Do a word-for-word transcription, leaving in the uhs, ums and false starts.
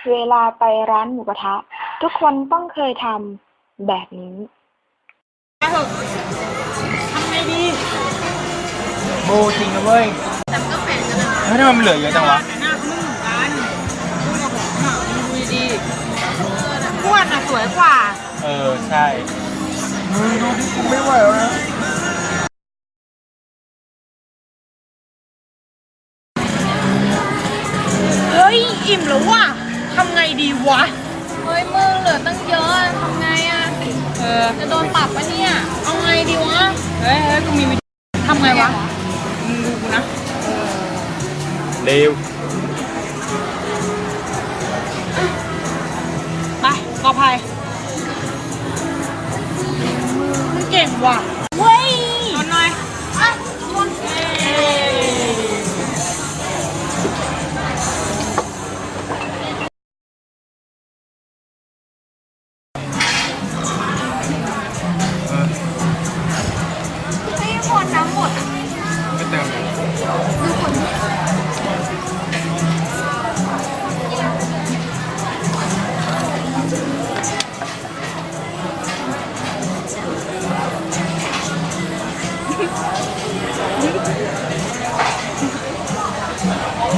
เวลาไปร้านหมูกระทะทุกคนต้องเคยทำแบบนี้ไปเถอะทำไงดีโบจริงนะเว้ยแต่มันก็แฝงกันนะเฮ้ยทำไมมันเหลือเยอะจังวะแต่หน้าเขาไม่เหมือนกันดูกับผมอ่ะดูดีๆอ้วนอ่ะสวยกว่าเออใช่มึงดูที่กูไม่ไหวแล้วนะเฮ้ยอิ่มแล้วว่ะทำไงดีวะเฮ้ยมึงเหลือตั้งเยอะทำไงอ่ะเออจะโดนปรับปะเนี่ยเอาไงดีวะเฮ้ยเฮ้ยกูมีวิธีทำไงวะมึงดูกูนะเร็วไปกอภัยมึงเก่งว่ะเว้ยชนหน่อยอ่ะชนเฮ้ยหมดน้ำหมดไม่เติมเลย